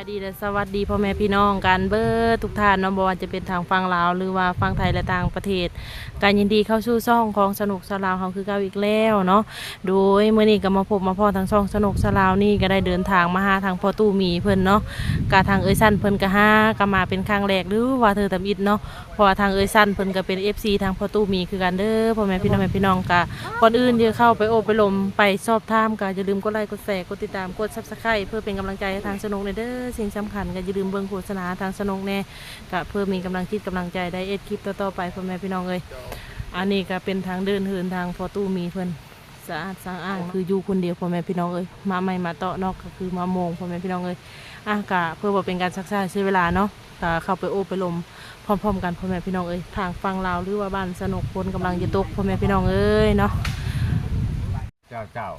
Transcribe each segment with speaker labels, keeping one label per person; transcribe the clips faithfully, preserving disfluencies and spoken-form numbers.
Speaker 1: ายดีและสวัสดีพ่อแม่พี่น้องกันเบิดทุกท่านเนาะบ่ว่าจะเป็นทางฝั่งลาวหรือว่าฝั่งไทยและต่างประเทศการยินดีเข้าสู่ช่องของสนุกสลาวเฮาคือเก่าอีกแล้วเนาะโดยมื้อนี้ก็มาพบมาพ้อทางช่องสนุกสลาวนี่ก็ได้เดินทางมาหาทางพ่อตู้หมีเพิ่นเนาะกะทางเอ้ยสั้นเพิ่นก็หาก็มาเป็นครั้งแรกหรือว่าเธอตำอิดเนาะเพราะว่าทางเอ้ยสั้นเพิ่นก็เป็น เอฟ ซี ทางพ่อตู้หมีคือกันเด้อพ่อแม่พี่น้องแม่พี่น้องก็ก่อนอื่นเดี๋ยวเข้าไปโอบไปลมไปสอบถามก็อย่าลืมกดไลค์กดแชร์กดติดตามกด Subscribe เพื่อเป็นกำลังใจให้ทางสนุกในเด้อสิ่งสำคัญก็อย่าลืมเบิ่งโฆษณาทางสนุกแน่ก็เพื่อมีกำลังจิตกำลังใจได้เอ็ดคลิปต่อๆไปพ่อแม่พี่น้องเอ้ยอันนี้ก็เป็นทางเดินเหินทางพอตู้มีเพิ่นสะอาดสะอ้างคืออยู่คนเดียวพ่อแม่พี่น้องเอ้ยมาใหม่มาเตาะนอกก็คือมาโมงพ่อแม่พี่น้องเอ้ยอ่ะก็เพื่อว่าเป็นการซักซ่าใช้เวลาเนาะก็เข้าไปโอบไปลมพร้อมๆกันพ่อแม่พี่น้องเอ้ยทางฟังลาวหรือว่าบ้านสนุกคนกำลังจะตกพ่อแม่พี่น้องเอ้ยเนาะ
Speaker 2: เจ้าเจ้า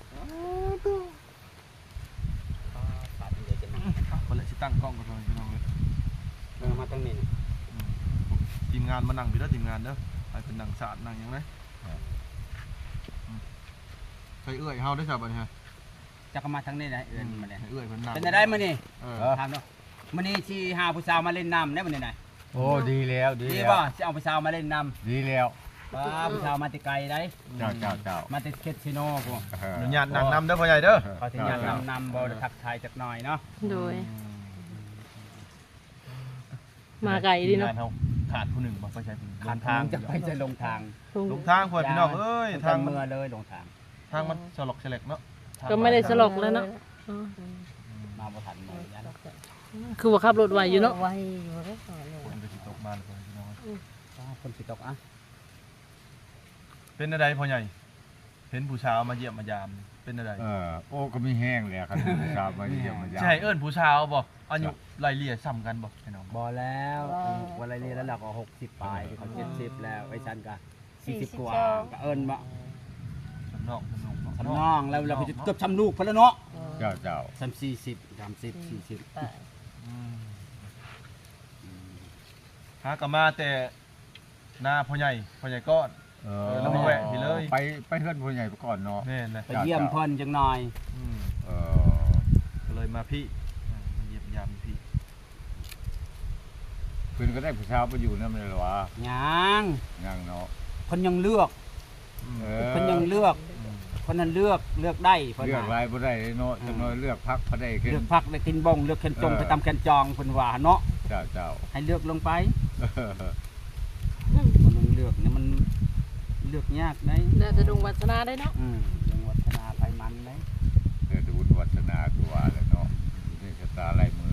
Speaker 3: คนละชิตั้งกล้องกันเลยพี่น้องเลย
Speaker 4: เออมาตั้งนี้
Speaker 3: ทีมงานมานั่งพี่แล้วทีมงานเด้อไปเป็นนั่งสาดนั่งยังไงใครเอื้อยเฮาได้สับอันนี้ฮะ
Speaker 4: จะก็มาทั้งนี้นะเอื้อนมาเลย
Speaker 3: เอื้อยเพิ่นนั่ง
Speaker 4: เป็นอะไรมื้อนี้
Speaker 3: เออ
Speaker 4: ถามเนาะมื้อนี้สิหาผู้สาวมาเล่นน้ำได้มื้อนี้ไหน
Speaker 2: โอ้ดีแล้วดี
Speaker 4: ดี
Speaker 2: แล้ว
Speaker 4: บ่สิเอาผู้สาวมาเล่นน้
Speaker 2: ดีแล้ว
Speaker 4: ำป้าผู้สาวมาแต่ไกลได้
Speaker 2: เจ้าเจ้าเจ้า
Speaker 4: มาแต่เคสซิโนพวก
Speaker 3: อนุญาตนั่งนำเด้อพ่อใหญ่เด้อ
Speaker 4: เขาสิญาตนำนำบ่ได้ทักทายจักหน่อยเนาะ
Speaker 1: โดยมาไกลดีเนาะ
Speaker 3: ทีมงเฮาขาดผู้หนึ่งบ่ไปใช้ผู้หนึ่งล
Speaker 4: ขาด
Speaker 3: ง
Speaker 4: ทา
Speaker 3: ทาง ง
Speaker 4: จะไปจะลงทาง
Speaker 3: ลงทางพ่อพี่น้องเอ้ย
Speaker 4: ทา
Speaker 3: ทาง งมัน
Speaker 4: เมื่อเลยลงทาง
Speaker 3: ทางมันสลอกสลักเนาะ
Speaker 1: ก็ไม่ได้สลกแล้วเนาะอ๋อ
Speaker 4: มาบ่ทันหมดยัน
Speaker 1: คือว่าขับรถไหวอยู่เนาะ
Speaker 5: ไวอยู่แล้วก่อนเลย
Speaker 3: ฝนก็สิตกมาเลยพี่น้อง
Speaker 4: ป้าคนสิตกอ่ะ
Speaker 3: เป็นอะไรพ่อใหญ่เห็นผู้สาวมาเยี่ยมมายามเป็นอะไร
Speaker 2: เออโอ้ก็มีแห้งเลยครับทราบมาเยี่ยมมายาม
Speaker 3: ใช่เอิ้นผู้สาวบ่อายุไล่เลี่ยซ้ำกันบ่พี่น้อง
Speaker 4: บ่แล้ววันไรเรียนแล้วเราก็หกสิบปลายเขาเจ็ดสิบแล้วไอ้ชันก็สี่สิบกว่าก็เอิ้นบ่
Speaker 3: สำนองสำนอง
Speaker 4: ทำน้องแล้วเราก็จะเกือบทำลูกพนแล้วเนาะ
Speaker 2: เจ้าเจ้า
Speaker 4: สามสี่สิบสามสิบสี่สิบ
Speaker 5: ไป
Speaker 3: หากลับมาแต่หน้าพ่อใหญ่พ่อใหญ่ก้อน
Speaker 2: เอ
Speaker 3: อแล้วมาแวะพี่เลย
Speaker 2: ไปไปเพื่อนผู้ใหญ่ไปก่อนเนาะ
Speaker 3: แม่นเลย
Speaker 4: ไปเยี่ยมเพิ่นจังหน่อย
Speaker 3: อืม
Speaker 2: เออ
Speaker 3: ก็เลยมาพี่อ่ามาเยี่ยมยามพี่
Speaker 2: เพื่อนก็ได้ผู้สาวไปอยู่นั่นเลยหรอวะ
Speaker 4: ยัง
Speaker 2: ยังเนาะ
Speaker 4: เพิ่นยังเลือก
Speaker 3: อืม
Speaker 2: เออ
Speaker 4: เพิ่นยังเลือกเพิ่นนั้นเลือกเลือกได้เพิ่น
Speaker 2: เลือก
Speaker 4: ว่า
Speaker 2: ลายบ่ได้เนาะจังน้อยเลือกพักพอได้ขึ้น
Speaker 4: เลือกพักได้กินบงเลือกแคนจงไปตามแคนจองเพิ่นว่าเนาะ
Speaker 2: เจ้าเจ้า
Speaker 4: ให้เลือกลงไป
Speaker 2: เออ
Speaker 4: มันลงเลือกนี่มันเลือกยากได้
Speaker 1: น่าจะดวงวัฒนาได้เนาะ
Speaker 4: อืมจังหวัดธนาไปมันได้
Speaker 2: เดี๋ยวดูวัฒนาตัวแล้วเนาะนี่ชะตาลายมือ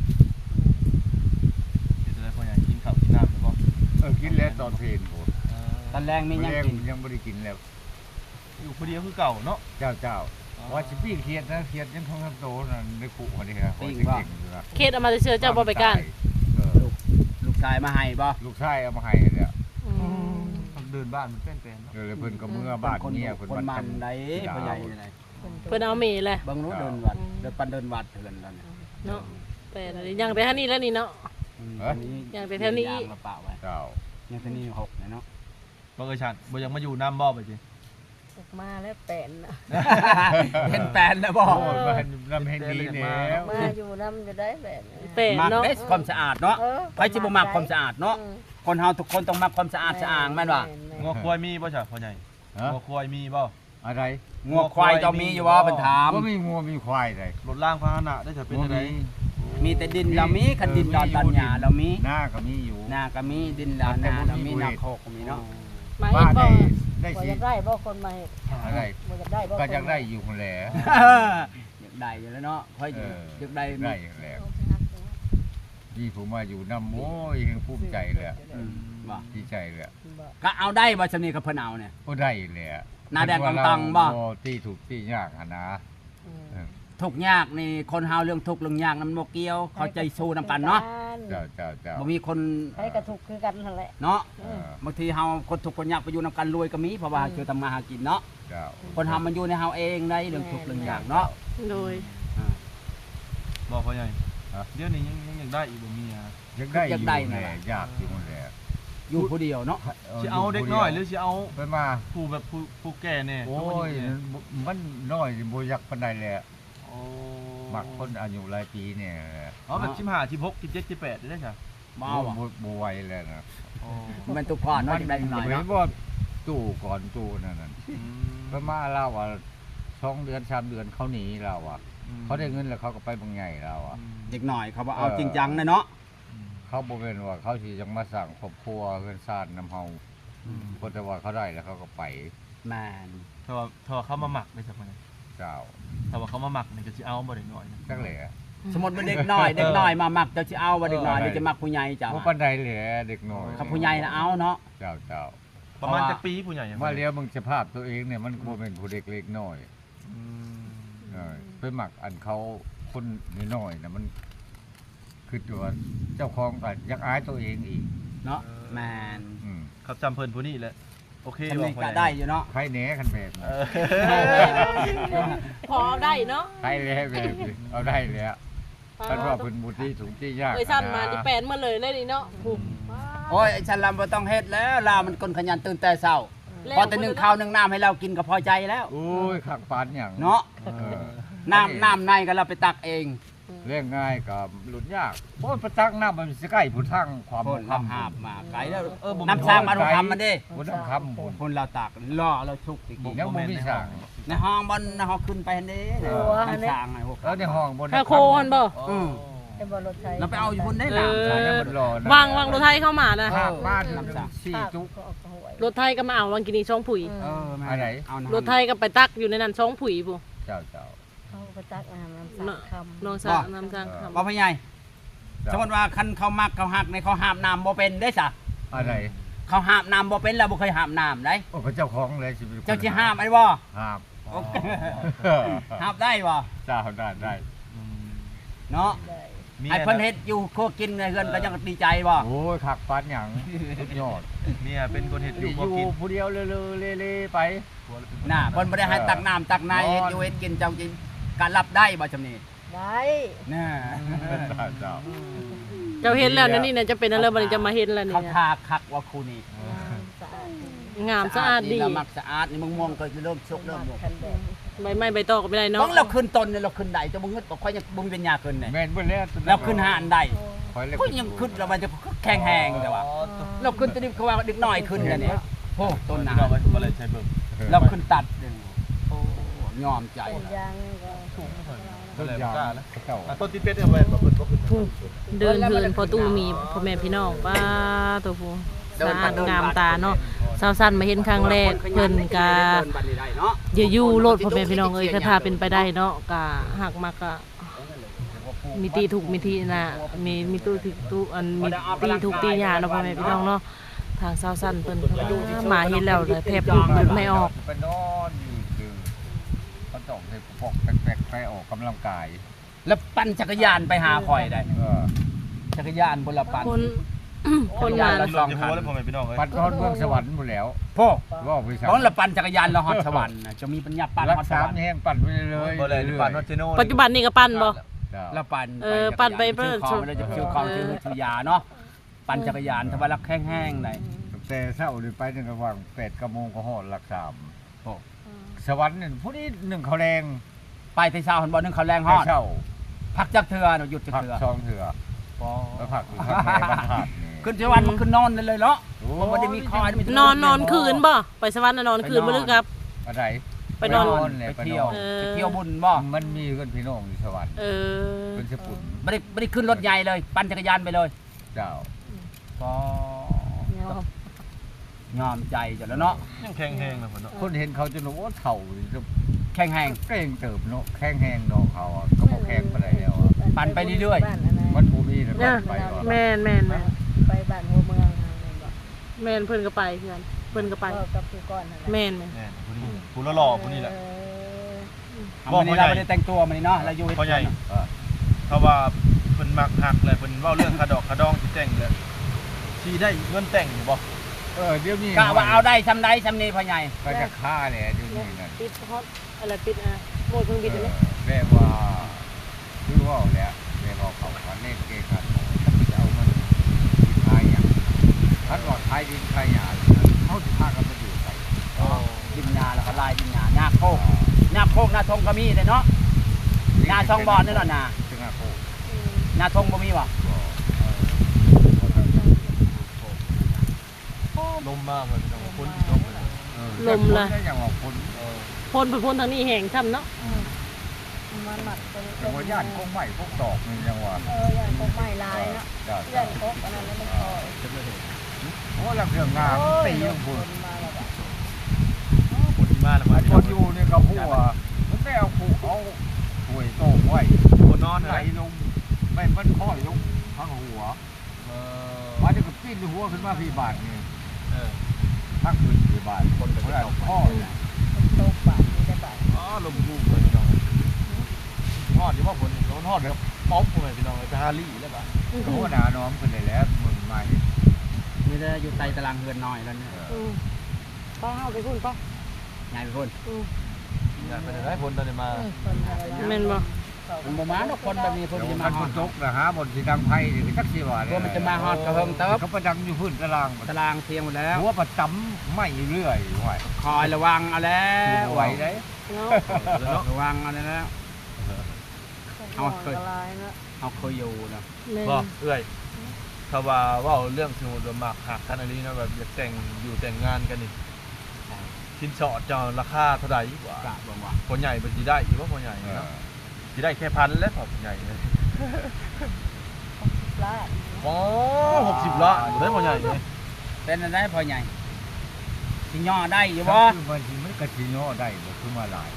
Speaker 3: เดี๋ยวจะได้พ่อใหญ่กินข้าวกินน้ำแล้วบ่
Speaker 2: เออกินแล้วตอนเพลนโห
Speaker 3: อ่า
Speaker 4: ตอนแรงมี
Speaker 2: ไม่
Speaker 4: ยัง
Speaker 2: ยัง
Speaker 4: กิน
Speaker 2: ยังไม่ได้กินแล้ว
Speaker 3: อยู่คนเดียวคือเก่าเนาะ
Speaker 2: เจ้าเจ้าว่าชิปี้เครียดนะเครียดยังท้องทำโตนั่นในคุกคนนี้ครับเก่งอยู่นะ
Speaker 1: เคสเอามาเชื่อเจ้าบ่ไปกัน
Speaker 2: เออ
Speaker 4: ลูกชายมาให้บ่
Speaker 2: ลูกชายเอามาให้เนี่ย
Speaker 1: อืม
Speaker 3: เดินบ้านมันเป็นๆเนาะ
Speaker 2: เดี๋ยวเพิ่นก็เมื่อบ้าน
Speaker 4: คน
Speaker 2: เนี่ย
Speaker 4: คน
Speaker 2: เพิ่น
Speaker 4: มันได้พ่อใหญ่นี่ไง
Speaker 1: เพิ่นเอาเมย์แหละ
Speaker 4: เบิ่งรู้เดินวัดเดินปันเดินวัดเถื่อนแล้วเนี่ย
Speaker 1: เนาะแต่ยังแต่ท่านี้แล้วนี่เนาะ อย่างแต่แถวนี้
Speaker 4: ยางมาเปล่าไว้
Speaker 2: เจ้า
Speaker 4: ยังแต่นี่หกเนี่ยเนาะ
Speaker 3: บ่เอ้ยชันบ่ยังมาอยู่น้ำบ่ไปจิ
Speaker 5: ออกมาแล้วแปนน่ะ
Speaker 4: เห็นแปลนแล้วบ่
Speaker 2: โอ้ยมันนำให้ดีแล้ว
Speaker 5: มาอยู่น้ำจะได้แปน
Speaker 1: แต่
Speaker 4: มัก
Speaker 1: เนาะ
Speaker 4: เด้ความสะอาดเนาะ
Speaker 5: เออ
Speaker 4: ใครสิบ่มักความสะอาดเนาะคนเฮาทุกคนต้องมักความสะอาดสะอางแม่นบ่
Speaker 3: งัวควายมีบ่จ้ะพ่อใหญ่
Speaker 2: ฮะ
Speaker 3: งัวควายมีบ่
Speaker 2: อะไร
Speaker 4: งัวควายเจ้ามีอยู่บ่เพิ่นถาม
Speaker 2: ก็มีงัวมีควายเลย
Speaker 3: รถล่างพาหนะได้จะเป็นอะไร
Speaker 4: มีแต่ดินเรามีคันดินดอนตันหญ้าเรามี
Speaker 2: หน้าก็มีอยู่
Speaker 4: นาก็มีดินดอนนาเรามีนาโคกก็มีเนาะ
Speaker 1: มา
Speaker 2: บ้า
Speaker 1: เฮ็ด
Speaker 2: ได้
Speaker 1: บ่
Speaker 2: ได้
Speaker 5: บ่
Speaker 2: สิ
Speaker 5: อยากได้บ่คนมาเฮ็ด
Speaker 2: อะไร
Speaker 5: บ่อยากได้บ่
Speaker 2: ก็จะได้อยู่คนแหละ
Speaker 4: อยากได้อยู่แล้วเนาะค่อย
Speaker 2: เออ
Speaker 4: อยากได้
Speaker 2: ได้อยู่แล้วนี่ผมมาอยู่น้ำโอ้ยยังภูมิใจเลยอะ
Speaker 4: อืมบ่
Speaker 2: ดีใจเลยอะ
Speaker 4: ก็เอาได้บ่ชำนี้กับเพิ่นเอาเนี่ย
Speaker 2: ก็ได้เลยอะ
Speaker 4: หน้าแดงตังๆบ่
Speaker 2: ตีถูกตียากอะนะเออ
Speaker 4: ทุกข์ยากนี่คนเฮาเรื่องทุกข์เรื่องยากนำบ่เกี่ยวเข้าใจสู้นำกันเนาะ
Speaker 2: เจ้าเจ้าเจ้า
Speaker 4: บ่มีคน
Speaker 5: ให้กระทุกคือกันนั่นแหละ
Speaker 4: เนาะ
Speaker 2: เออบ
Speaker 4: างทีเฮาคนทุกข์คนยากไปอยู่นำกันรวยก็มีเพราะว่าคือทำมาหากินเนาะ
Speaker 2: เจ้า
Speaker 4: คนเฮามันอยู่ในเฮาเองได้เรื่องทุกข์เรื่องยากเนาะ
Speaker 1: โดย
Speaker 4: อ่า
Speaker 3: บอกพ่อใหญ่เดี๋ยวนี้ยังยังยังได้อีกบ่มีอ่ะ
Speaker 2: อยากได้อยู่แหละยากอยู่แหละ
Speaker 4: อยู่ผู้เดียวเนาะ
Speaker 3: สิเอาเด็กน้อยหรือสิเอา
Speaker 2: ไปมา
Speaker 3: ผู้แบบผู้ผู้แก่แน่
Speaker 2: โอ้ยมันน้อยบ่อยากปานใดแหละ
Speaker 3: โอ้
Speaker 2: มมักคนอายุหลายปีเนี่ย
Speaker 3: อ๋อแบบสิบห้า สิบหก สิบเจ็ด สิบแปดได้ใช่
Speaker 4: บ่เอาอ่ะ
Speaker 2: บ่บ่ไหวแล้วนะ
Speaker 4: มันตุกก่อนเนาะจังได้หน่อย
Speaker 2: เห็
Speaker 4: เนาะ
Speaker 2: นว่าตู้ก่อนตู้นั่นน่ะเพิ่นมาเล่าว่าสองเดือนสามเดือนเขาหนีเราอ่ะเขาได้เงินแล้วเขาก็ไปบางใหญ่เราอ่ะ
Speaker 4: เด็กหน่อยเขาบ่เอาจริงจังนะเนาะ
Speaker 2: เขาบ่เป็นว่าเขาสิจังมาสร้างครอบครัวเฮือนซ่านนำเฮาเพราะแต่ว่าเขาได้แล้วเขาก็ไป
Speaker 4: แม่น
Speaker 3: ถ้าว่าถ้าว่าเขามาหมักได้สักมัน
Speaker 2: เจ้า
Speaker 3: ถ้าว่าเขามาหมักนี่ก็สิเอาบ่ได้น้อยนะ
Speaker 2: จักแหละ
Speaker 4: สมมุติว่าเด็กน้อยเด็กน้อยมามักเจ้าสิเอาว่าเด็กน้อยเดี๋ยวจะมักผู้ใหญ่จ้ะ
Speaker 2: บ่ปานใดแหละเด็กน้อย
Speaker 4: ครับผู้ใหญ่น่ะเอาเนาะ
Speaker 2: เจ้าเจ้า
Speaker 3: ประมาณจักปีผู้ใหญ่
Speaker 2: มาเลี้ยวมึงสภาพตัวเองเนี่ยมันบ่เป็นผู้เด็กเล็กน้อย
Speaker 3: อืม
Speaker 2: เออไปหมักอันเขาคนน้อยๆน่ะมันคือตัวเจ้าของก็อยากอายตัวเองอีก
Speaker 4: เนาะแม่น
Speaker 2: อืม
Speaker 3: เขาจำเพิ่นผู้นี้แหละโอเค
Speaker 4: ทำ
Speaker 3: บ่
Speaker 4: นี่
Speaker 3: ผู้
Speaker 4: ก็
Speaker 3: ใหญ่
Speaker 4: ได้อยู่เนาะ
Speaker 2: ใครแหน่คันแบบ
Speaker 3: เอ
Speaker 2: นี้
Speaker 3: อ
Speaker 1: พอได้เนาะ
Speaker 2: ใครแหน่แบบนี้เอาได้แล้วท่านว่าเพิ่นบุตรีสูงที่ยาก
Speaker 1: เอ้ยสั้นมา
Speaker 2: ะ
Speaker 1: ที่แปนมาเลยเลยนี่เนาะผูก
Speaker 4: โอ้ยไอ้ฉันลำบ่ต้องเฮ็ดแล้วลามันคนขยันตื่นแต่เช้าพอแต่นึ่งข้าวนึ่งน้ำให้เรากินก็พอใจแล้ว
Speaker 2: โอ้ยขักปานหยัง
Speaker 4: เนาะ
Speaker 2: เออ
Speaker 4: น้ำน้ำในก็เราไปตักเอง
Speaker 2: เรื่องง่ายกับหลุดยากเพราะประตักน้ำมันสิใกล้ผู้ทั้งความ
Speaker 4: คน
Speaker 2: ค
Speaker 4: ลำหาบมาไกลแล้ว
Speaker 3: เออบ่
Speaker 4: น้ำสร้างมาดูคำมันดิ
Speaker 2: ผู้ทั้งคำบุญ
Speaker 4: คนเราตักล่อเราชุกตะกี้
Speaker 2: ยังบ่มีสร้าง
Speaker 4: ในห้องบนในห้องขึ้นไปเห็นดิ
Speaker 5: โอ้อันนี้
Speaker 4: น้ำสร้างไอ้พวก
Speaker 2: แล้วในห้องบน
Speaker 1: ถ้าโคฮันบ่
Speaker 4: อืม
Speaker 5: เป็นบอลรถไทย
Speaker 4: เราไปเอาอยู่บนได้
Speaker 1: เอ
Speaker 4: หลัง
Speaker 1: อ
Speaker 2: สายน้ำมันรอนะ
Speaker 1: วางวางรถไทยเข้ามานะ
Speaker 2: ภาคบ้าน
Speaker 4: น้ำสร้าง
Speaker 2: สี่
Speaker 5: ภาค
Speaker 2: จุก
Speaker 5: ก็ออกหวย
Speaker 1: รถไทยก็มาเอาวังกินีช่องผุย
Speaker 4: เออแม่
Speaker 2: อะไร
Speaker 4: เอาน้ำ
Speaker 1: รถไทยก็ไปตักอยู่ในนั้นช่องผุยผู้
Speaker 2: เจ้าเจ้า
Speaker 5: เขาไปตักอาหารน้ำสามคำ
Speaker 1: น้องสาน้ำจางคำ
Speaker 4: บ่พ่อใหญ่สมมติว่าคันเขามักเขาหักในเขาหาบน้ำบ่เป็นได้ซะ
Speaker 2: อะไร
Speaker 4: เขาหาบน้ำบ่เป็นแล้วบ่เคยหาบน้ำได้
Speaker 2: โอ้พระเจ้าของเลยสิเป็นคน
Speaker 4: เจ้าสิหาบไอ้บ่
Speaker 2: ห้าม
Speaker 4: โอเคหาบได้บ่
Speaker 2: เจ้าได้ได้
Speaker 4: เนาะ
Speaker 5: ได้
Speaker 4: ไอ้เพิ่นเฮ็ดอยู่ครัวกินในเฮือนก็ยังดีใจบ่
Speaker 2: โอ้ยขักปานหยังสุดยอด
Speaker 3: เนี่ยเป็นคนเฮ็ดอยู่
Speaker 2: อ
Speaker 3: บ่กิน
Speaker 2: ยู่ผู้เดียวเลยๆเล่ๆไป
Speaker 4: น่ะเพิ่นบ่ได้ให้ตักน้ำตักในเฮ็ดอยู่เฮ็ดกินเจ้าจริงการรับได้บ่จำนี้
Speaker 5: ได้
Speaker 4: น่ะ
Speaker 2: เจ้าเจ้า
Speaker 1: เจ้าเห็นแล้วนะนี่นะจะเป็นอะไรบัดนี้จะมาเห็นแล้วนี่
Speaker 4: เขา
Speaker 1: นะ
Speaker 4: ทาคักว่าครูนี่
Speaker 5: สะอาด
Speaker 1: งามสะอาดดี
Speaker 4: เรามักสะอาดนี่มึงมองก็เริ่มชกเริ่มมอง
Speaker 5: คันแบบ
Speaker 1: ใบไม้ใบตอกก็ไม่ได้
Speaker 4: ต้
Speaker 1: เนาะ
Speaker 4: องเราขึ้นต้นเนี่ยเราขึ้นได้จะบ่งึดบ่ค่อยยังบ่มีปัญญาขึ้นเนี่ย
Speaker 2: แม่นเบิ่แล้ว
Speaker 4: เราขึ้นหาอันใด
Speaker 2: คอยเล็ก
Speaker 4: ก็ยังขึ้นแล้วมันจะแข็งแหงแต่ว่า เราขึ้นตัวนี้เขาว่าดึกน้อยขึ้นแล้วเนี่ยโอ้ต้นหนา
Speaker 3: เราบ่ได้ใช้เบิ่ง
Speaker 4: เราขึ้นตัดเนี่ยโอ้ยอมใจ
Speaker 5: ต้นยางก็ถูก
Speaker 2: ต้นยางเจ้า
Speaker 3: อ่ะต้นที่เป็ดเอาไว้บ่เพิ่นบ่ขึ้น
Speaker 1: เดินเพื่อนพอตู้มีพ่อแม่พี่น้องป้าตัวผู้สะอาดงามตาเนาะสาวสั้นมาเห็นครั้งแรกเพิ่นกะอย่าอยู่โลดพ่อแม่พี่น้องเอ้ยถ้าเป็นไปได้เนาะกะหักมากกะมีตีถูกมีทีน่ะมีมีตู้ที่ตู้อันมีตีถูกตีหยาเนาะพ่อแม่พี่น้องเนาะทางสาวสั้นเพิ่นก็มาเห็นแล้วเลยแทบพูดไม่ออก
Speaker 2: ไปนอนอยู่คือเขาต้องให้ปอกแปลกๆไปออกกำลังกาย
Speaker 4: แล้วปั่นจักรยานไปหาข่อยได้
Speaker 2: เออ
Speaker 4: จักรยานบนละปั่น
Speaker 1: คน คนมา
Speaker 3: เราลองหัวแล้วพ่อแม่พี่น้องเอ้ย
Speaker 2: ปัดทอดเมืองสวรรค์หมดแล้ว
Speaker 4: พ่อ
Speaker 2: ว่าไป
Speaker 4: ตอนละปั่นจักรยานเราฮอดสวรรค์น่ะจะมีปัญญาปั่น
Speaker 2: รัก
Speaker 4: ฮอดส
Speaker 2: สาว ม
Speaker 4: รรค์
Speaker 2: แห้งปั่นไปเลย
Speaker 3: บ่เลยหรือปั่นฮอดเจโน่
Speaker 1: ปัจจุบันนี่ก็ปั้นบ่
Speaker 2: เจ้า
Speaker 4: ละปั่น
Speaker 1: เออปั่นไปเพิ่
Speaker 4: เพิ่
Speaker 1: น
Speaker 4: นเราจะชื่อของชื่อชื่อยาเนาะปั่นจักรยานทว่ารักแห้งๆได้
Speaker 2: แต่เช้านี่ไปในระหว่างแปดกับโมงก็หอดหลักสาม
Speaker 4: โอ้
Speaker 2: สวรรค์นี่ผู้นี้หนึ่งเขาแรง
Speaker 4: ไปที่เช้าหันบ่นึงเขาแรงฮอด
Speaker 2: เช้า
Speaker 4: พักจักเทื่อเนาะหยุดจัก
Speaker 2: ผัก
Speaker 4: เทื่อ
Speaker 2: ซองเถื่อแล้วผักอยู่ข้างในบ้านผักนี่
Speaker 4: ขึ้นสวรรค์มันขึ้นนอนเลยเลยเนาะ
Speaker 2: โอ้
Speaker 4: มันบ่ได้มีคอยมีแต่
Speaker 1: นอนนอนคืนบ่ไปสวรรค์น่ะนอนคืนบ่ลึกครับ
Speaker 2: อะไร
Speaker 1: ไปนอน
Speaker 2: เลย
Speaker 4: ไป
Speaker 2: ไป
Speaker 4: เที่
Speaker 2: น
Speaker 4: ยว
Speaker 2: อน
Speaker 1: เออ
Speaker 4: ไปเที่ยวบุญบ่
Speaker 2: มันมีเพื่อนพี่น้องอยู่สวรรค์
Speaker 1: เออ
Speaker 2: เป็นสปุน
Speaker 4: ไม่ได้ไม่ได้ขึ้นรถใหญ่เลย ปั่นจักรยานไปเลย
Speaker 2: เจ้า
Speaker 4: ก็
Speaker 5: เนาะ
Speaker 4: งอมใจจ้ะแล้วเนาะ
Speaker 3: ยังแข็งแรงเลยพ่นเนาะ
Speaker 2: คนเห็นเขาจะรู้ว่าเถ่าจะ
Speaker 4: แข็งแหง
Speaker 2: เก่งเติบเนาะแข้งแห้งเนาะเขาอะก็บอกแข้งไปไหนแล้วอะ
Speaker 4: ปั่นไปเรื่อยๆ
Speaker 5: บ้านอันนั้น
Speaker 2: มันภูมินะ
Speaker 1: เนี่ย
Speaker 2: ไปก่อน
Speaker 1: แม่นแม่นแม่น
Speaker 5: ไปบ้านหัวเมืองนั่นบ่
Speaker 1: แม่นเพิ่นก็ไปเพื่อนเพิ่นก็ไป
Speaker 5: ก็กับผู้ก่อนนั่นแหละ
Speaker 1: แม่นแม่น
Speaker 3: แม่นผู้นี้ผู้หล่อๆผู้นี้แหละ
Speaker 5: เออ
Speaker 4: เอาวันนี้เราไม่ได้แต่งตัวมันนี่เนาะเราอยู่
Speaker 3: พ่อใหญ่
Speaker 2: เออ
Speaker 3: เพราะว่าเพิ่นมักหักเลยเพิ่นเว้าเรื่องคาดอกคาดองสิแต่งเลยสิได้เงินแต่งอยู่บ่
Speaker 2: เออเดี๋ยวนี้
Speaker 4: กะว่าเอาได้ทำได้ทำนี่พ่อใหญ่
Speaker 2: ก็จะฆ่าเลยเดี๋ยวนี้นั่น
Speaker 1: ปิดฮอตอะไรปิดอ่ะโหมดเครื่องบินอันนี้
Speaker 2: แม่ว่าคือว่าแล้วแม่ว่าเขาคันเล่นเกมกันจะเอามันขายอย่างถ้าหลอดขายดินขายหยาเขาจะพากันมาอยู่ใส่
Speaker 4: ดินนาแล้วก็ลายดินนาหน้าโคกหน้าโคกหน้าทงก็มีเลยเนาะ
Speaker 2: เ
Speaker 4: หน้าช่องบอลนี่แหละนะ
Speaker 2: ถึงอ่ะโค
Speaker 4: หน้าทงบ่มีบ่
Speaker 3: ลมมากเลยพี่น้องคนลมเลย
Speaker 1: ลมเลย
Speaker 2: อย่างว่าคน
Speaker 3: เออ
Speaker 1: พ่นไปพ่นทางนี้แห้งช่ำเนาะ
Speaker 5: มันหมัดตรง
Speaker 2: อย่างว่าย่านพวกใหม่พวกดอกนี่ยังว่า
Speaker 5: เออย่านพวกไม้ลายเนาะ
Speaker 2: จ้า
Speaker 5: ย่านพวกอันนั้นแล้วมันคอย
Speaker 3: จะไม่เห็น
Speaker 2: โอ้ลำเรื่องงามตีลง
Speaker 5: ค
Speaker 2: พุ่น
Speaker 5: นมาแล้วแบบ
Speaker 3: คนที่มาแล้วมา
Speaker 2: ไอ้คนอยู่นี่ก็พูดว่ามันไม่เอาผูเอาหวยโต้งไว้
Speaker 3: คนนอน
Speaker 2: ไหล
Speaker 3: เลย
Speaker 2: ลงไม่มันค่อยลงทางหัว
Speaker 3: เออ
Speaker 2: วันนี้ก็ปิ้นหัวขึ้นมาพี่บาทนี่
Speaker 3: เออ
Speaker 2: ทั้งคืนพี่บาท
Speaker 3: คนเป็น
Speaker 2: เพราะว่า
Speaker 3: ตก
Speaker 2: ข้อ
Speaker 5: โตกบาทนี่ได้บาท
Speaker 3: อ๋อลมยุ่งเลยพี่น้องทอดที่ว่าฝนโดนทอดเลยป๊อปเลยพี่น้องจะฮารี่แล้วป่ะ
Speaker 2: โอ้หนาน้อมขึ้นได้แล้วมึงมาเห็น
Speaker 4: มีแต่อยู่ใต้ตารางเฮือนน้อยแล้วเนี่ย
Speaker 1: อืมป้าเอาไปพุ่นป้า
Speaker 4: ใหญ่ไปพุ่น
Speaker 1: อืม
Speaker 3: อยากไปไหนฝนตอนนี้มา
Speaker 5: คนอะไร
Speaker 1: แม่นบ่
Speaker 4: มันบ่มาดอกคนแบบนี้เพิ่น
Speaker 2: เดี๋ยว
Speaker 4: จะ
Speaker 2: มั
Speaker 4: มาน ฮ
Speaker 2: ค
Speaker 4: อด
Speaker 2: นตกนะฮะบนสีดังไพ่นี่จักสีว่า
Speaker 4: เพิ่นมันจะมาฮอดกระเฮิงเติบ
Speaker 2: เขาประดังอยู่พื้นตาราง
Speaker 4: ตารางเทียงหมดแล้ว
Speaker 2: หัวประจำไม่เรื่อยไหว
Speaker 4: คอยระวังเอาแล้ว
Speaker 2: ไหวได้
Speaker 1: เนาะ
Speaker 4: ระวังเอาแล้ว
Speaker 5: เอาเคยลายเนาะ
Speaker 4: เอาเคยอยู่นะ
Speaker 1: แม่น
Speaker 3: บ่เอ้ยถ้าว่าว่าเรื่องสมุดหมากหักกันอะไรนะแบบอยากแต่งอยู่แต่งงานกันนี่ชิ้นสอดจะราคาเท่าไหร่กว่าก
Speaker 4: ะบ่ว่า
Speaker 3: คนใหญ่เป็นจีได้อยู่ว่าคนใหญ่
Speaker 2: เออ
Speaker 3: เนาะจีได้แค่พันแล้วพอคนใหญ่เลย
Speaker 5: ลาด
Speaker 3: อ๋อหกสิบละได้คนใหญ่เลย
Speaker 4: เป็นอันได้พอใหญ่สิย่อได้อยู่บ่
Speaker 2: คือมันสิมันกระชิโนได้บ่คือมาหลาย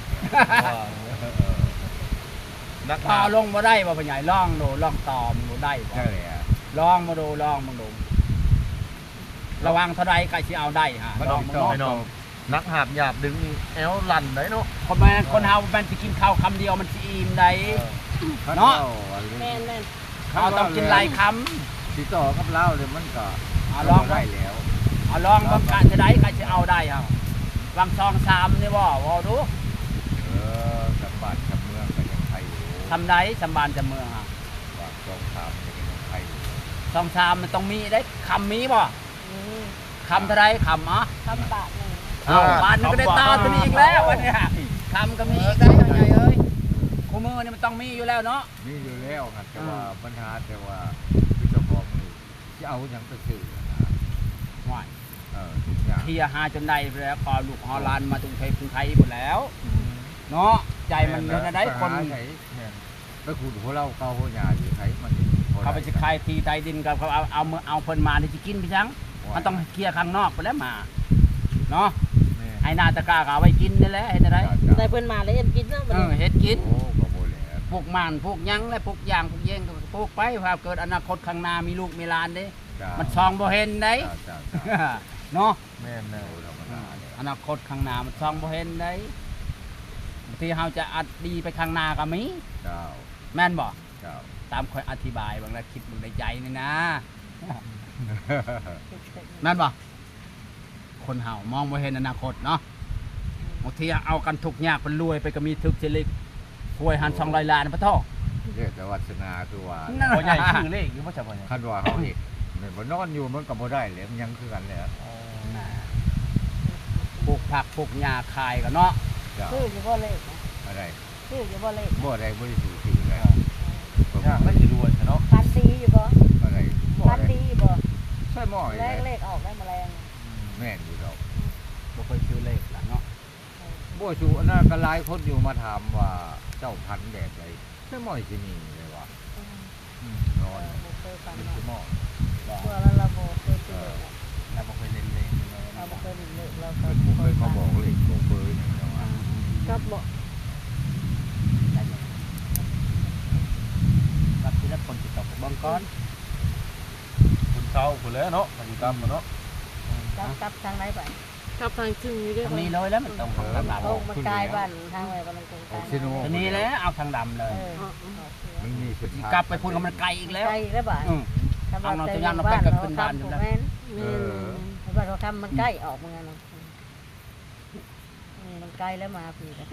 Speaker 3: นัก
Speaker 4: ต่อลงบ่ได้บ่พอใหญ่ลองดูลองต่อมึงดูได้บ่
Speaker 2: ใช่แหละ
Speaker 4: ลองมาดูลองมาดูระวังเท่าใดก็สิเอาได้ฮะ
Speaker 2: มัน
Speaker 4: ลอง
Speaker 2: ติ
Speaker 4: มา
Speaker 2: ดต่อ
Speaker 4: ดู
Speaker 3: น้องนักหาบหยาบดึงแอลลันได้เนาะ
Speaker 4: คนแม่นคนเฮามันสิกินข้าวคำเดียวมันสิอิ่มได้ เนาะ
Speaker 1: แม่นแม่น
Speaker 4: เขาต้องกินหลายค
Speaker 2: ติดต่อกับเราเลยมันก็
Speaker 4: ำเอาลอง
Speaker 2: ได้แล้ว
Speaker 4: เอาลองบางการจะได้ก็สิเอาได้ครับวางซองสามนี่บ่บ่ดู
Speaker 2: เออกับบ้านกับเมืองก็ยังไทยอยู่
Speaker 4: ทำได้สำบานจะเมืองอ่ะ
Speaker 2: บ้านสองสามก็ยังไทยอยู่
Speaker 4: ซองสามมันต้องมีได้คำมีบ่
Speaker 5: นี่
Speaker 4: คำเท่าไรคำอ่ะ
Speaker 5: ทำบาทหนึ่ง
Speaker 4: เอาบานมันก็ได้ตาตัวนี้อีกแล้ววันเนี้ยคำก็มีอีกแล้วใหญ่เอ้ยคู่มือนี่มันต้องมีอยู่แล้วเนาะ
Speaker 2: มีอยู่แล้วครับแต่ว่าปัญหาแต่ว่าคือเจ้าของนี่จะเอาอย่างไปซื้อนะ
Speaker 4: ห่วย
Speaker 2: เออทุกอย่าง
Speaker 4: เทียหาจนได้ไปแล้วพอลูกฮอลลานมาตรงไทยกรุงไทยหมดแล้ว เนาะใจมันเท่านั้นได้คน
Speaker 2: ไหนไปขุดหัวเราเกาหัวยาอยู่ไหนมัน
Speaker 4: เขาไปสิขายทีไทยดินกับเขาเอาเอามือเอาเพิ่นมาที่จะกินพี่ช้างมันต้องเคลียร์ข้างนอกไปแล้วมาเนาะให้นาตะกร้าก็เอาไว้กินนี่แหละเห็นอะไร
Speaker 1: ได้เพิ่นมาแล้วเอ็นกินเนาะบัด
Speaker 4: เออ
Speaker 1: นี้
Speaker 4: เฮ็ดกิน
Speaker 2: โอ้ก็บ่แหละ
Speaker 4: พวกมันพวกหยังและพวกยางพวกเย่งก็ปลูกไปว่าเกิดอนาคตข้างหน้ามีลูกมีหลานเด้มันซองบ่เห็นได้
Speaker 2: จ้าจ้า
Speaker 4: เนาะ
Speaker 3: แม่นแน่
Speaker 2: ธรรมดาเนี่ย
Speaker 4: อนาคตข้างหน้ามันซองบ่เห็นได้บางทีเฮาจะอัดดีไปข้างหน้าก็มี
Speaker 2: เจ้า
Speaker 4: แม่นบ่
Speaker 2: เจ้า
Speaker 4: ตามค่อยอธิบายบางแล้วคิดมึงในใจนี่นะ นั่นบ่คนเฮามองบ่เห็นอนาคตเนาะบางทีเอากันทุกข์ยากเป็นรวยไปก็มีทึกเจริกหวยหันสองร้อยล้านพระท่อ
Speaker 2: เรียกแต่วัฒนาคือว่า
Speaker 4: นั่น
Speaker 3: คนใหญ่ชื่อเลขอยู่ว่าจะบ่ใหญ่
Speaker 2: คันว่าเขาเห็นเนี่ยบ่นอนอยู่มันก็บ่ได้เลยมันยังคือกันเลย
Speaker 4: ปลูกผักปลูกหญ้าขายกันเนาะ
Speaker 2: เจ้า
Speaker 5: ชื่ออยู่บ่เลขนะ
Speaker 2: อะไร
Speaker 5: ชื่ออยู่บ่เลข
Speaker 2: บ่ได้บ่ได้สูชื่อเลย
Speaker 3: ยากไม่จะรวยเนาะ
Speaker 5: พันตีอยู่บ่
Speaker 2: อะไรบ่
Speaker 5: พัน
Speaker 2: ได้
Speaker 5: ตีอยู่บ่
Speaker 2: ใช่หม้อ
Speaker 5: แร
Speaker 2: เลย
Speaker 5: กเลขออกได้แมลง
Speaker 2: แม่นอยู่ดอก
Speaker 4: บ่เคยซื้อเลขล่ะเนาะ
Speaker 2: บ่ชูอันนั้นก็หลายคนอยู่มาถามว่าเจ้าพันธุ์แบบใดใช่หม้อสิมีเลยว่า
Speaker 5: เอ
Speaker 2: นอน
Speaker 5: อบ่เคยฟัง
Speaker 2: เป็น
Speaker 5: เนาะ
Speaker 2: สิหม้อ
Speaker 5: เพื่อแล้วเราบ่เคยซื้อเลขนะ
Speaker 3: เราบ่เคยเล่นเลขเลย
Speaker 5: เราบ่เคยเห็นเลขเรา
Speaker 2: เพิ่นบ่เคยมาบอกเลยโกเบอร์อย่างเดียวว่า
Speaker 1: ครับบ่
Speaker 4: รับที่รับคนติดต่อเบิ่งก่อน
Speaker 3: คุณเช้าคุณแล้วเนาะมาอยู่ตามมาเนาะ
Speaker 5: จับจับทางไหนไป
Speaker 1: ครับทางซึ่งอยู่ด้วย
Speaker 4: ทางนี้เลยแล้วมันต้องทางดำ
Speaker 5: โอ้มันกลายบ้านทางไหนบ้านตรงกลาง
Speaker 2: ซิโน
Speaker 4: ทางนี้แล้วเอาทางดำเลย
Speaker 5: เออ
Speaker 2: มันมีสิ
Speaker 4: สิกลับไปพูดกับมันไกลอีกแล้ว
Speaker 5: ไกลแล้วบ้าน
Speaker 4: อือ
Speaker 5: ทำ
Speaker 4: เอาเรา
Speaker 5: ใจ
Speaker 4: ตัวอย่างเรา
Speaker 5: บ้า
Speaker 4: ไป
Speaker 5: น
Speaker 4: กับ
Speaker 5: เรา
Speaker 4: ขึ้นบ้าน
Speaker 5: ทำ
Speaker 4: อยู่
Speaker 5: ถูก
Speaker 4: แล้ว
Speaker 5: แม่น
Speaker 1: แม่น
Speaker 5: บ้านเราทำมันใกล้ออกเหมือนกันเนาะอืมมันใกล้แล้วมาพี่กัน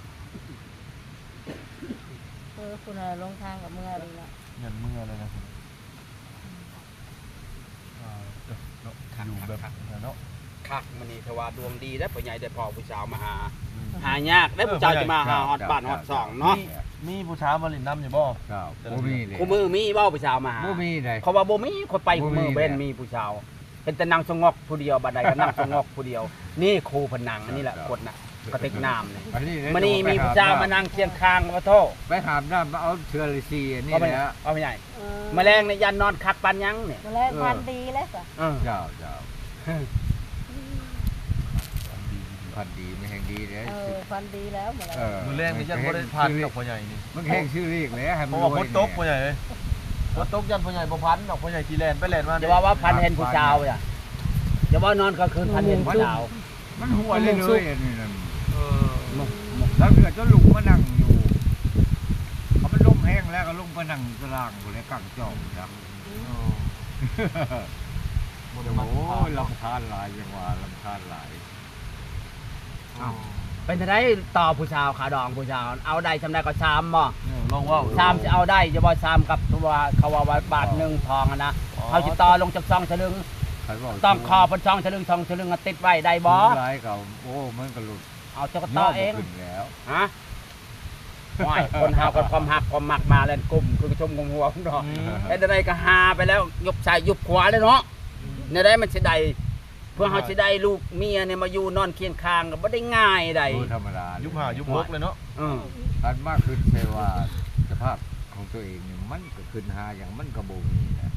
Speaker 5: เออคุณอะไรลงทางกับเมื่อดีละ
Speaker 3: เงินเมื่อเลยนะคุณอ่าเนาะอยู่แบบเนาะ
Speaker 4: ขคักมื้อนี้ถือว่าดวงดีได้อผู้ใหญ่ได้พ่อผู้สาวมาหาหายากได้อผู้สาวจะมาหาฮอดบ้านฮอดซ่องเนาะ
Speaker 3: มีผู้ชายมาลินน้ำอยู่บ่
Speaker 2: ครับบ่มีเลย
Speaker 4: คู่มือมีเว้าผู้สาวมาหา
Speaker 2: บ่มีเลย
Speaker 4: เขาว่าบ่มีคนไปคู่มือ
Speaker 2: บ่มี
Speaker 4: เว้น
Speaker 2: แหละ
Speaker 4: มีผู้สาวเป็นแต่นางสงอกผู้เดียวบัดใดก็นางสงอกผู้เดียว นี่ครูเพนนังอันนี้แหละกดน่ะกระติกน้ำนี่
Speaker 2: อันนี้เลย
Speaker 4: มื้อนี้มีผู้สาวมานั่งเคียงข้างว่าโทษ
Speaker 2: ไปหามน้ำมาเอาเชื้อราชีอันนี้
Speaker 4: เอาไป
Speaker 2: แหละ
Speaker 4: เอาไปใหญ่แมลงในยันนอนคักปันยังเนี่ย
Speaker 5: แมลงพันธุ์ดีแล้วจ้ะ
Speaker 4: เออ
Speaker 2: เจ้าเจ้าพันธุ์ดีไม่แห่งดีเลย
Speaker 5: เออพันธุ์ดีแล้วแมลง
Speaker 2: เออ
Speaker 3: มือแรงนี่ยันบ่ได้พันกับพ่อใหญ่นี่
Speaker 2: มันแห้งชื่อเรียกเลยให้
Speaker 3: เพ
Speaker 2: มัน
Speaker 3: ราะ
Speaker 2: ร
Speaker 3: ว่า
Speaker 2: วย
Speaker 3: ฝนตกพ่อใหญ่เอ้ยฝนตกยันพ่อใหญ่บ่พันดอกพ่อใหญ่กี่แลนไปแลนมา
Speaker 4: อย่าว่าว่าพันเห็นผู้สาวอ่ะอย่าว่านอนกลางคืนพันเห็นผู้สาว
Speaker 2: มันหัวเลยเลยอันนี้นั่น
Speaker 3: เออ
Speaker 2: แล้วเกิดจะลุกมานั่งอยู่เขามันล่มแห้งแล้วก็ลงมานั่งตารางอยู่ในกลางจอมนะ
Speaker 3: บ่ได้มา
Speaker 2: โอ้ยลำคาญหลายจังหวะลำคาญหลาย
Speaker 3: อ้าว
Speaker 4: เป็นจะได้ต่อผู้สาวขาดองผู้สาวเอาได้ทำได้ก็ชามบ่
Speaker 3: ลองว่า
Speaker 4: ชามจะเอาได้จะบ่ชามกับตัวเขาว่าบาทหนึ่งทองอะนะเอาจิต่อลงจากซองฉลึง
Speaker 2: ใครบอก
Speaker 4: ต้องคอบนซองฉลึงทองฉลึงอะติดไว้ได้บ่
Speaker 2: หลายเขาโอ้มันก็หลุด
Speaker 4: เอาจะก็ต่อเอง
Speaker 2: ขึ้นแล้ว
Speaker 4: ฮะว่ายคนหาคนความหักความหมักมาเล่นกลุ่มคือกระชมงงหัวของเราไอ้ใดก็หาไปแล้วยกซ้ายยกขวาเลยเนาะในได้มันสิได้เพื่อเขาสิได้ลูกเมียเนี่ยมาอยู่นอนเคียงข้างก็บ่ได้ง่ายใด
Speaker 2: โอ้ธรรมดา
Speaker 3: ยุบหายุบหกเลยเนาะ
Speaker 4: อือ
Speaker 2: อันมากขึ้นใช่ว่าสภาพของตัวเองเนี่ยมันก็ขึ้นหาอย่างมันกระโบงนี่นะ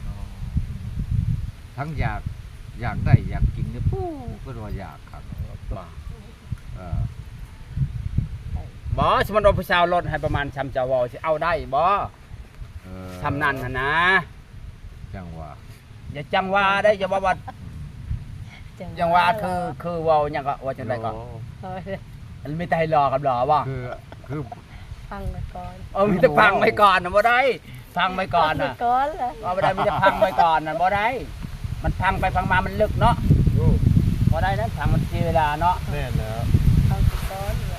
Speaker 2: ทั้งอยากอยากได้อยากกินเนี่ยปู้ก็ว่าอยากครับ
Speaker 4: บ่
Speaker 2: เออ
Speaker 4: บ่สมมุติว่าผู้สาวลดให้ประมาณชำเจ้าเว้าสิเอาได้บ่
Speaker 2: เออ
Speaker 4: ทำนั่นน่ะนะ
Speaker 2: จังหวะ
Speaker 4: อย่าจังว่าได้อย่าว่าว่าจังว่าคือคือเว้าหยังก็ว่าจังได๋ก็
Speaker 5: เออ
Speaker 4: มันมีแต่ให้รอกับรอบ่
Speaker 2: คือคือ
Speaker 5: พังไปก่อน
Speaker 4: เออมีแต่พังไว้ก่อนน่ะบ่ได้พังไว้ก่อน
Speaker 5: พัง
Speaker 4: น่ะ
Speaker 5: ไปก่อนเลย
Speaker 4: ว่าบ่ได้มีแต่พังไว้ก่อนน่ะบ่ได้มันพังไปพังมามันลึกเนาะบ่ได้นะพังมันเสียเวลาเนาะ
Speaker 3: แม่นแล้ว
Speaker 5: พังไปก่อนเลย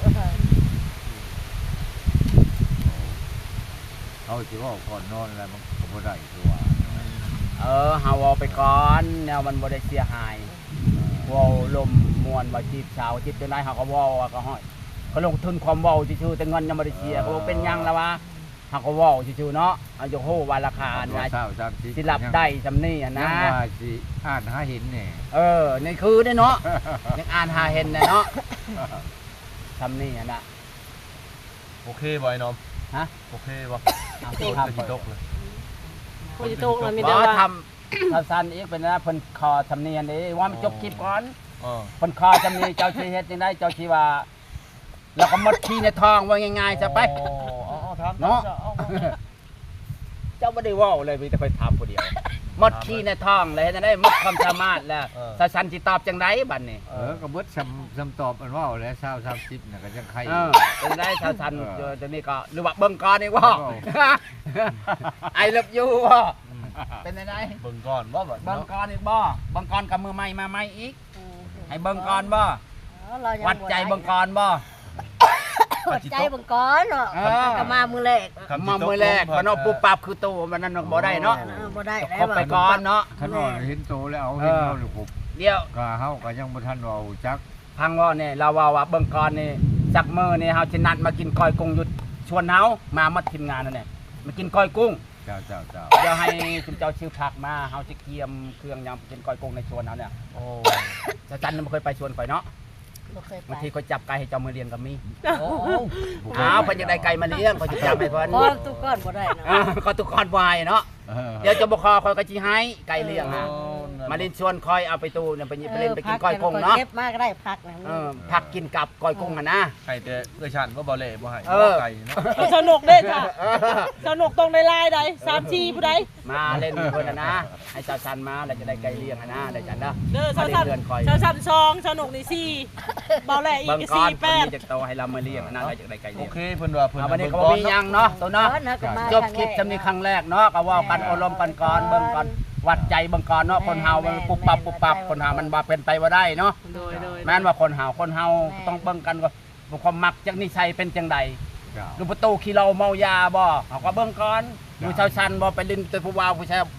Speaker 2: เขาสิว่าก่อนนอนแล้วมันก็บ่ได้คือว่า
Speaker 4: เออเฮาเอาไปก่อนแนวมันบ่ได้เสียหายเว้าลมมวนว่าจีบสาวจีบจังได๋เฮาก็เว้าว่าก็ฮ้อยเขาลงทุนความเว้าซื่อๆแต่เงินยังบ่ได้เสียเขาบอกเป็นหยังล่ะวะเฮาก็เว้าซื่อๆเนาะเอาจะโหว่าราคา
Speaker 2: ตัว
Speaker 4: นะ
Speaker 2: เศร้าซ้ำสิ
Speaker 4: สิรับได้ซำนี้อ่ะ
Speaker 2: ยั
Speaker 4: นะ
Speaker 2: งว่าสิอ่านหาเห็นเนี่ย
Speaker 4: เออนี่คือได้เนาะยังอ่านหาเห็นน่ะเนาะซำนี้อ่ะนะ
Speaker 3: โอเคบ่ไอ้น้อม
Speaker 4: ฮะ
Speaker 3: โอเคบ่
Speaker 4: เอา
Speaker 3: โค
Speaker 4: สิ
Speaker 3: ตร
Speaker 4: ครับ
Speaker 3: จะตกเลย
Speaker 1: ผู้สิตกแล้วมี
Speaker 4: บ่
Speaker 1: แต่ว่า
Speaker 4: ทำถ้าซั่นอีกเป็นนะเพิ่นขอสำเนียงเด้ว่ามันจบคลิปก่อน
Speaker 3: อ๋อ
Speaker 4: คนคอจำนี้เจ้าชีเฮ็ดจังได้เจ้าชีว่าแล้วก็หมดขี้ในท้องว่าง่ายๆซะไป
Speaker 3: อ๋ออ๋อถาม
Speaker 4: เนาะ
Speaker 3: ออ
Speaker 4: เจ้าไม่ได้เว่าเลยมีแต่คอยถามผู้เดียวหมดขี้ในท้องเลยจังได้หมดความสามารถแล้วสาสันสิตอบจังไดบัดนี้
Speaker 2: เออก็เบิดซ้ำซ้ำตอบมันว่าแล้วเศร้าซ้ำสิบน่ะก็ยังใคร
Speaker 4: เออจังได้สาสัน
Speaker 2: เออ
Speaker 4: จังนี้ก็หรือว่าเบิ่งก่อนนี่ว่า
Speaker 2: เออ
Speaker 4: ไอเลิฟยูว่าเป็นจังได
Speaker 3: เบิ่งก่อนว่าแบบ
Speaker 4: เบิ่ง
Speaker 3: เนาะ
Speaker 4: ก่อนอีกบ่เบิ่งก่อนกับมือใหม่มาใหม่อีกให้เบิ่งก่อนบ่
Speaker 5: เรายัง
Speaker 4: วัดใจเบิ่งก่อนบ่
Speaker 5: วัดใจเบิ่งก่อนเนาะ
Speaker 4: เออ
Speaker 5: ก็มามือแรก
Speaker 3: ครับ
Speaker 4: มามือแรกมันเอาปุ๊บปั๊บคือตู้มันนั่นบ่ได้เนาะ
Speaker 5: เออบ่ได้แล้ว
Speaker 4: คบไปก่อนเนาะ
Speaker 2: ขนอนเห็นโตแล้วเอาเห็นเราหรือผม
Speaker 4: เดี๋ยว
Speaker 2: ก็เฮาก็ยังบ่ทันว่าจัก
Speaker 4: พังว่าเนี่ยเราว่าว่าเบิ่งก่อนนี่จักมื้อนี่เฮาสินัดมากินก้อยกุ้งอยู่ชวนเฮามาหมดทีมงานนั่นแหละมากินก้อยกุ้ง
Speaker 2: เจ้าเจ้าเจ้า
Speaker 4: เดี๋ยวให้คุณเจ้าชื่อผักมาเฮาสิเกียมเครื่องยำกินก้อยกุ้งในชวนเฮาเนี่ย
Speaker 3: โอ้
Speaker 4: จะจันทร์บ่เคยไปชวนข่อยเนาะ
Speaker 5: บ่เคยไป
Speaker 4: บางทีข่อยจับไก่ให้เจ้ามือเลี้ยงก็มี
Speaker 5: โอ้
Speaker 4: อ้าวเพิ่นอยากได้ไก่มาเลี้ยงข่อยสิจับให้เพิ่น
Speaker 5: ก้อนทุกก้อนบ่ได้เนาะ
Speaker 4: อ่าก็ตุกคนวายเนาะ
Speaker 2: เออ
Speaker 4: เดี๋ยวจะบ่คอข่อยก็สิให้ไก่เลี้ยงฮะ
Speaker 3: โอ้นั่น
Speaker 4: มาเล่นชวนคอยเอาไปตู้เนี่ยไปไปเล่นไปกินก้อยกุ้งเนาะ
Speaker 5: เก็บมาก็ได้พักนะ
Speaker 4: เออผักกินกับก้อยกุ้งหั่นนะ
Speaker 3: ไก่แต่เอื้อชันว่าบ่เล่บ่ให้
Speaker 4: เออ
Speaker 3: ไก่เนาะ
Speaker 1: สนุกเด้จ้ะสนุกตรงในลายใดสามชีผู้ใด
Speaker 4: มาเล่นเพิ่นน่ะนะให้เจ้าชันมาแล้วจะได้ไก่เลี้ยงหั่นนะได้จันเด้อ
Speaker 1: เด้อ
Speaker 4: มา
Speaker 1: ชาว
Speaker 4: เล่น
Speaker 1: สัน
Speaker 4: เรือนคอย
Speaker 1: ชาวสันซองสนุกนี่สี่เบาแหล่อี
Speaker 4: เบิ่ง
Speaker 1: ก
Speaker 4: ก่อน
Speaker 1: สี่
Speaker 4: เพิ่
Speaker 1: แป
Speaker 4: น
Speaker 1: ด
Speaker 4: มีจักโตให้เรามาเลี้ยงหั่นนะได้จักได้ไก่
Speaker 3: โอ
Speaker 4: เลี้ยง
Speaker 3: เคเพิ่นว่าเพิ่น
Speaker 4: เอาวันนี้ก็
Speaker 3: เบิ่ง
Speaker 4: บ่มีหยังเนาะตัวเนาะ
Speaker 5: ก้อนนะก็มา
Speaker 4: จบคลิปจำนี้ครั้งแรกเนาะก็เว่ากันอบรมกันก่อนเบิ่งก่อนวัดใจเบิ่งก่อนเนาะคนเฮามันปุบปับปุบปับคนเฮามันบ่เป็นไปบ่ได้เนาะ
Speaker 1: โดยโดย
Speaker 4: แม้นว่าคนเฮาคนเฮาต้องเบิ่งกันว่าว่าความมักจักนิสัยเป็นจังใด
Speaker 2: เจ้า
Speaker 4: ดูประตูขี้เหล้าเมายาบ่เฮาก็เบิ่งก่อนดูชาวชันบ่ไปลิ้นแต่ผู้บ่าวผู้ชาย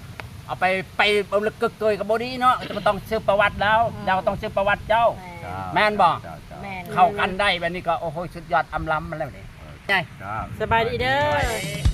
Speaker 4: เอาไปไปเอาลึกกึกเกยกับบ่ดีเนาะจะต้องซื้อประวัติแล้วเจ้าต้องซื้อประวัติเจ้า แม่นบ่
Speaker 2: เจ้าเจ้า
Speaker 5: แม่น
Speaker 4: เข้ากันได้แบบนี้ก็โอ้โหสุดยอดอำล้ำมันแล้วนี่ไง
Speaker 2: เจ้า
Speaker 1: สบายดีเด้อ